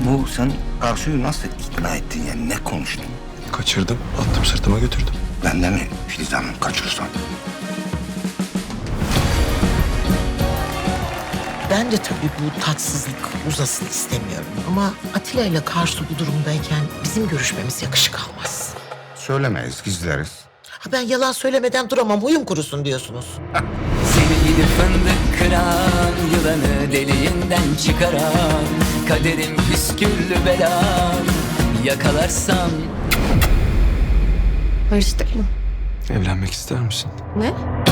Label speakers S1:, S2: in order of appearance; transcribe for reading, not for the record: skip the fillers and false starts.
S1: Bu sen Karsu'yu nasıl ikna ettin yani ne konuştun?
S2: Kaçırdım, attım sırtıma götürdüm.
S1: Ben de mi Filiz Hanım kaçırsam?
S3: Ben de tabii bu tatsızlık uzasın istemiyorum. Ama Atilla ile Karsu bu durumdayken bizim görüşmemiz yakışık almaz.
S1: Söylemeyiz, gizleriz.
S3: Ha, ben yalan söylemeden duramam, huyum kurusun diyorsunuz.
S4: Seni gidip fındık kıran, yılanı deliğinden çıkaran, kaderim püsküllü belam, yakalarsam.
S5: Barıştık mı?
S2: Evlenmek ister misin?
S5: Ne?